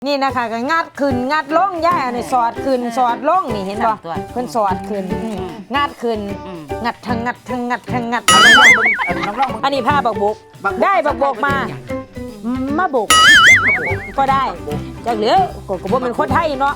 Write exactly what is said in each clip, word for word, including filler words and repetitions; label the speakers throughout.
Speaker 1: นี่นะคะก็งัดขึ้นงัดล่องย่าอันนี้สอดขึ้นสอดล่องนี่เห็นบ่เพิ่นสอดขึ้นงัดขึ้นงัดทั้งงัดทั้งงัดทั้งงัดอันนี้ผ้าบักบกได้บักบกมามาบกก็ได้จากเหลือก็บ่เป็นคนไทยเนาะ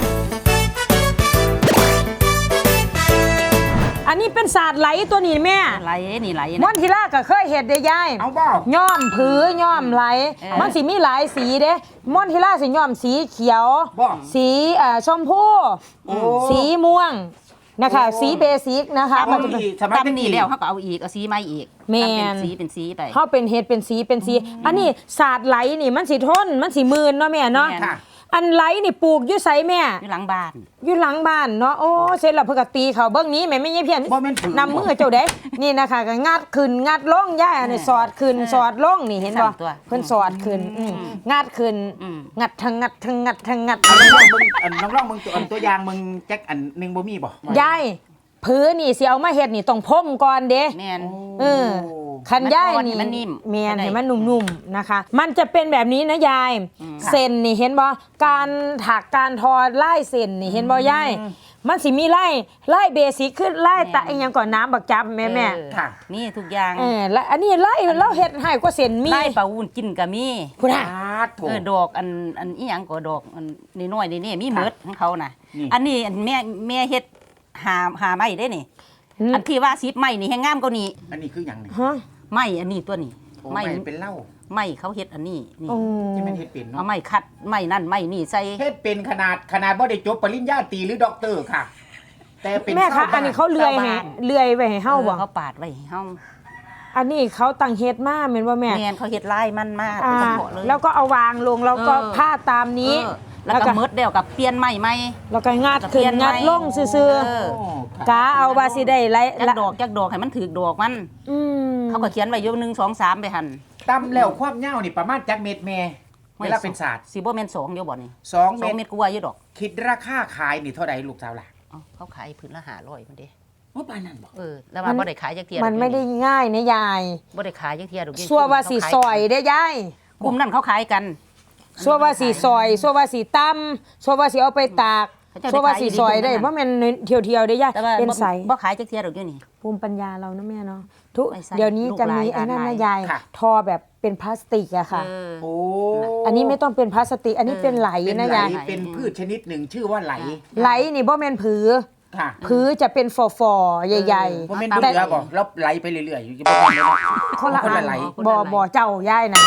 Speaker 1: อันนี้เป็นศาสตร์ไหลตัวนี้แม่
Speaker 2: ไหลนี่ไหล
Speaker 1: ม่อนทีล่าก็เคยเห็ดได้ยาย
Speaker 3: เอาบ่
Speaker 1: ย้อมผือย่อมไหลมันสิมีหลายสีเด้ม่อนทีล่าสิย้อมสีเขียวสีอ่าชมพูสีม่วงนะคะสีเบสิกนะคะ
Speaker 2: มันจะตำนี่แล้วเขาก็เอาอีกเอาสีใหม่อีกเป็นสีเป็นสีไป
Speaker 1: เขาเป็นเห็ดเป็นสีเป็นสีอันนี้ศาสตร์ไหลนี่มันสิทนมันสิมืนเนาะแม่เนาะอันไหลนี่ปลูกอยู่ไสแม่
Speaker 2: อยู่หลังบ้าน
Speaker 1: อยู่หลังบ้านเนาะโอ้เสร็จแล้วเพิ่นก็ตีเขาเบิ่งนี้แม่ไม่ใช่เพี้ยนนำมือเจ้าเด้นี่นะคะก็งัดขึ้นงัดลงย่าอันนี้สอดขึ้นสอดลงนี่เห็นบ่เพิ่นสอดขึ้นงัดขึ้นงัดทั้งงัดทั้งงัดทั้งงัด
Speaker 3: น้องลองมึงอันน้องลองมึงตัวอันตัวอย่างมึงแจ็คอันนึงบ่มีบ่
Speaker 1: ยายพื้นนี่สิเอามาเฮ็ดนี่ต้องพ่มก่อนเด้
Speaker 2: แม่น
Speaker 1: เออคันย่ายนี่
Speaker 2: มันนิ่ม
Speaker 1: แม่นให้มันนุ่มๆนะคะมันจะเป็นแบบนี้นะยายเส้นนี่เห็นบ่การถักการทอลายเส้นนี่เห็นบ่ยายมันสิมีไล่ไล่เบสิกขึ้นไล่ตะอีหยังก่อนน้ำบักจับแม่แม่
Speaker 2: ค่ะนี่ทุกอย่าง
Speaker 1: เออแล้วอันนี้ไล่เราเฮ็ดให้กว่าเส้นมี
Speaker 2: ไล่ปลาวุ้นกินก็มี
Speaker 1: พุ่นน่ะ
Speaker 2: เออดอกอันอันอีหยังก็ดอกอันน้อยๆนี่มีหมดของเขาน่ะอันนี้อันแม่แม่เฮ็ดหาหาไม้ได้นี่อันที่ว่าสิบไม้นี่แห้งงามกว่านี้
Speaker 3: อันนี้คือหยังนี่
Speaker 1: ฮะ
Speaker 2: ไม้อันนี้ตัวนี้
Speaker 3: ไม้เป็นเหล้า
Speaker 2: ไม้เขาเฮ็ดอันนี้นี่
Speaker 3: ที่มันเฮ็ดเป็นเนาะ
Speaker 2: เอาไม้คัดไม้นั่นไม้นี่ใส่
Speaker 3: เฮ็ดเป็นขนาดขนาดบ่ได้จบปริญญาตรีหรือด็อกเตอร์ค่ะแต่เป็น
Speaker 1: แม่คะอันนี้เขาเลื่อยให้เลื่อยไว้ให้เฮาบ่
Speaker 2: เขาปาดไว้ให้เฮา
Speaker 1: อันนี้เขาตั้งเฮ็ดมาแม่นบ่แม่
Speaker 2: แม่นเขาเฮ็ดลายมันมาก
Speaker 1: เฉพาะเลยแล้วก็เอาวางลงแล้วก็ผ้าตามนี้
Speaker 2: แล้วก็มืดเดียวกับเปลี่ยนใหม่ใหม่
Speaker 1: แล้วก็งัดขึ้นงัดลงซื่อๆกาเอาว่าสิได้ไร
Speaker 2: จักดอกจักดอกให้มันถือดอกมันเขาก็เขียนไว้อยู่หนึ่งสองสามไปหั่น
Speaker 3: ตำแล้วความยาวนี่ประมาณจักเม็ดแม่เวลาเป็นศาสตร์
Speaker 2: สิบ่แม่นสองอยู่บ่นี่
Speaker 3: สอง
Speaker 2: เม็ดกว่าอยู่ดอก
Speaker 3: คิดราคาขายนี่เท่าใดลูกสาวล่ะ
Speaker 2: เขาขายพื้นละห้าร้อยพุ่นเด้
Speaker 3: โอ้ปานนั้นบ่
Speaker 2: เออแล้วว่าบ่ได้ขายจักเที่ย
Speaker 1: มันไม่ได้ง่ายนะยาย
Speaker 2: บ่ได้ขายจักเที่ยดอก
Speaker 1: ซัวว่าสิซอยเด้ยาย
Speaker 2: กลุ่มนั้นเขาขายกัน
Speaker 1: ซัวว่าสีซอยซัวว่าสีตำซัวว่าสีเอาไปตากซัวว่าสีซอยได้ว่ามันเที่ยวๆได้ยากเป็นใส
Speaker 2: บ่ขายจักเที่ยดอกอยู่นี่
Speaker 1: ภูมิปัญญาเรานะแม่เนาะทุกเดี๋ยวนี้จะมีไอ้นั่นนะยายทอแบบเป็นพลาสติกอะค่ะ
Speaker 3: โอ้
Speaker 1: อันนี้ไม่ต้องเป็นพลาสติกอันนี้เป็นไหลนะยาย
Speaker 3: เป็นพืชชนิดหนึ่งชื่อว่าไหล
Speaker 1: ไหลนี่บ่แม่นผือผือจะเป็นฟอๆใหญ่
Speaker 3: ๆบ่แม่นเรือบ่แล้วไหลไปเรื่อยๆอยู่จะบ่แม่นเลย
Speaker 1: คนละไหลบ่บ่เจ้าย่ายนะ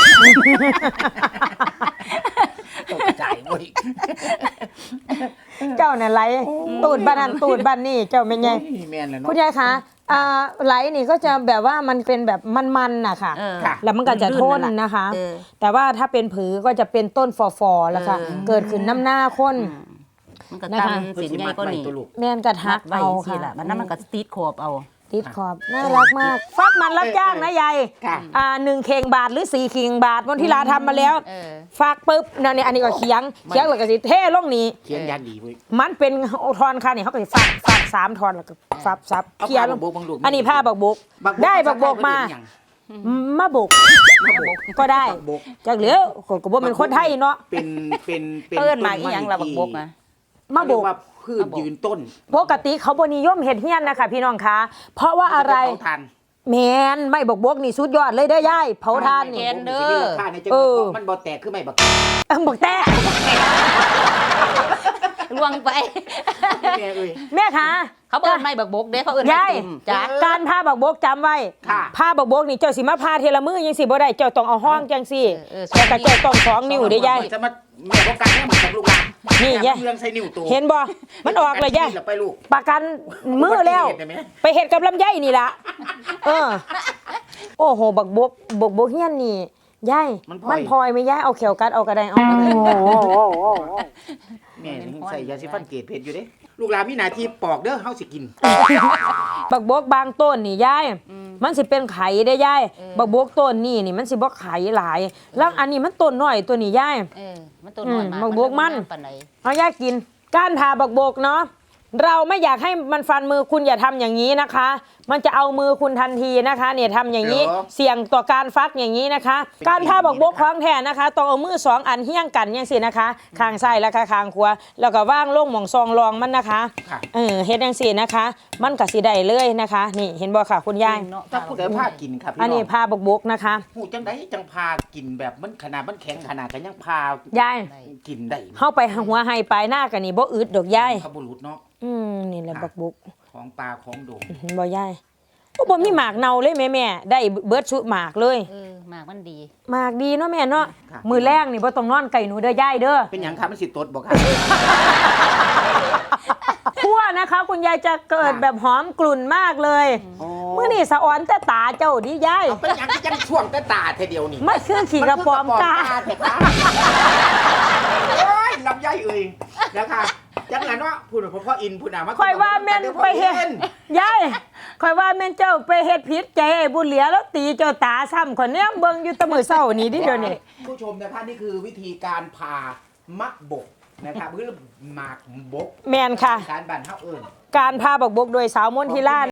Speaker 3: ตกใจเว้ย
Speaker 1: เจ้าเนี่ยไหลตูดบ้านนั้นตูดบ้านนี่เจ้าเป็นไงคุณยายคะไหลนี่ก็จะแบบว่ามันเป็นแบบมันๆน่ะค่ะแล้วมันก็จะทนนะคะแต่ว่าถ้าเป็นผือก็จะเป็นต้นฟอๆแล้วค่ะเกิดขึ้นน้ำหน้าคน
Speaker 2: มันก็ตำสินใหญ่ก็นี่
Speaker 1: แม่นกระทักเอาค่ะ
Speaker 2: มันนั้นมันก็ติดขอบเอา
Speaker 1: ติดขอบน่ารักมากฟักมันรับจ้างนะยายอ่าหนึ่งเข่งบาทหรือสี่เข่งบาทวันที่ลาทำมาแล้วฟักปุ๊บนั่นนี่อันนี้ก็เคียงเคียงแล้วก็สิเท่ลงนี้
Speaker 3: เคียงยันดีเว้ย
Speaker 1: มันเป็นทอนค่ะนี่เขาก็ฟักฟักสามทอนแล้วก็ฟับซับเคียงอันนี้ผ้าบักบกได้บักบกมามาบกก็ได้จากเหลือก็บ่เป็นคนไทยเนาะ
Speaker 3: เป็นเป็น
Speaker 2: เป็นเอิ้นมาอีหยังล่ะบักบกอ่ะ
Speaker 1: มาบก
Speaker 3: พืชยืนต้น
Speaker 1: ปกติเขาบ่นิยมเฮ็ดเฮียนนะคะพี่น้องคะเพราะว่าอะไรแมนไม่บกบกนี่สุดยอดเลยเด้อยายเผาทาน
Speaker 2: นี่เด้อ
Speaker 3: เออมันบ่แตกคือไม่บัก
Speaker 1: เออบักแตก
Speaker 2: ลวงไป
Speaker 1: แม่คะ
Speaker 2: เขาเอิ้นไม่บักบกเด้เขาเอิ้น
Speaker 1: ยายการพาบักบกจำไว้พาบักบกนี่เจ้าสิมาพาเทละมือยังสิบ่ได้เจ้าต้องเอาห้องจังสิแต่ก็เจ้าต้องสองนิ้วเด้อยาย
Speaker 3: จะมาแม่บ่การให้มันกับลูกหลาน
Speaker 1: นี่ยายเห็นบ่มันออกเลยยายประกันมือแล้วไปเฮ็ดกับลำไยนี่ล่ะเออโอ้โหบักบกบกบกเฮียนนี่ยายมันพลอยไม่ยายเอาเขียวกัดเอากระไดเอา
Speaker 3: แม่นี่ใส่ยาสีฟันเกรดเพชรอยู่เด้ลูกหลานมีหน้าที่ปอกเด้อเฮาสิกิน
Speaker 1: บักบกบางต้นนี่ยายมันสิเป็นไข่ได้ยายบักบกต้นนี่นี่มันสิบ่ไข่หลายแล้วอันนี้มันต้นน้อยตัวนี้ยาย
Speaker 2: เออมันต้นน้อย
Speaker 1: บักบกมันเอายายกินก้านทาบักบกเนาะเราไม่อยากให้มันฟันมือคุณอย่าทำอย่างนี้นะคะ มันจะเอามือคุณทันทีนะคะเนี่ยทำอย่างนี้เสี่ยงต่อการฟักอย่างนี้นะคะ การผ้าบักบกคล้องแทนนะคะต้องเอามือสองอันเฮี้ยงกันอย่างสินะคะข้างซ้ายแล้วก็ข้างขวาแล้วก็ว่างลงหม่องซองรองมันนะคะเออเฮ็ดอย่างสินะคะ มันก็สิได้เลยนะคะ นี่เห็นบ่ค่ะคุณยาย
Speaker 3: ถ้าผู้ใดพากินครับพี่
Speaker 1: อัน
Speaker 3: น้
Speaker 1: นี้
Speaker 3: อง
Speaker 1: ผ้าบักบกนะคะ
Speaker 3: หูจังไดจังพากินแบบมันขนาดมันแข็งขนาดกันยังพาย
Speaker 1: าย
Speaker 3: กินได้
Speaker 1: เข้าไปหัวไฮปลายหน้ากันนี่บ่อึดดอกยาย
Speaker 3: ขบุรุษเนาะ
Speaker 1: อืมนี่แหละบักบก
Speaker 3: ของตาของโด่ง
Speaker 1: เห็นบ่ยายโอ้บ่มีหมากเน่าเลยแม่แม่ได้เบิดชุดหมากเลย
Speaker 2: เออหมากมันดี
Speaker 1: หมากดีเนาะแม่เนาะมือแรงนี่บ่ต้องนอนไก่หนูเด้อยายเด้อ
Speaker 3: เป็นหยังครับมันสิตดบ่ครับ
Speaker 1: คั่วนะคะ คุณยายจะเกิดแบบหอมกลุ่นมากเลย
Speaker 3: โอ้
Speaker 1: มื้อนี่สะออนแต่ตาเจ้าดิยาย
Speaker 3: เอาเป็นหยังก็ยังช่วงแต่ตาเทเดียวนี่
Speaker 1: มันคือขี่กระป๋อมกา
Speaker 3: เถอะครับโอ้ยลำไยเอ่ยนะคะจังนั้นว่าพูดเพราะพ่ออินพูดนะว่า
Speaker 1: คอยว่าแม่นไปเฮ็ดยายคอยว่าแม่นเจ้าไปเฮ็ดผิดใจไอ้บุญเหลียแล้วตีเจ้าตาซ้ำคนเนี้ยเบิ่งอยู่แตะมื้อเช้านี่ดิเดี๋ยวนี้
Speaker 3: ผู้ชมนะคะนี่คือวิธีการพามักบกนะครับคือหมากบก
Speaker 1: แม่นค่ะ
Speaker 3: การบันเท่าเอิญ
Speaker 1: การพาบักบกโดยสาวมนทิลา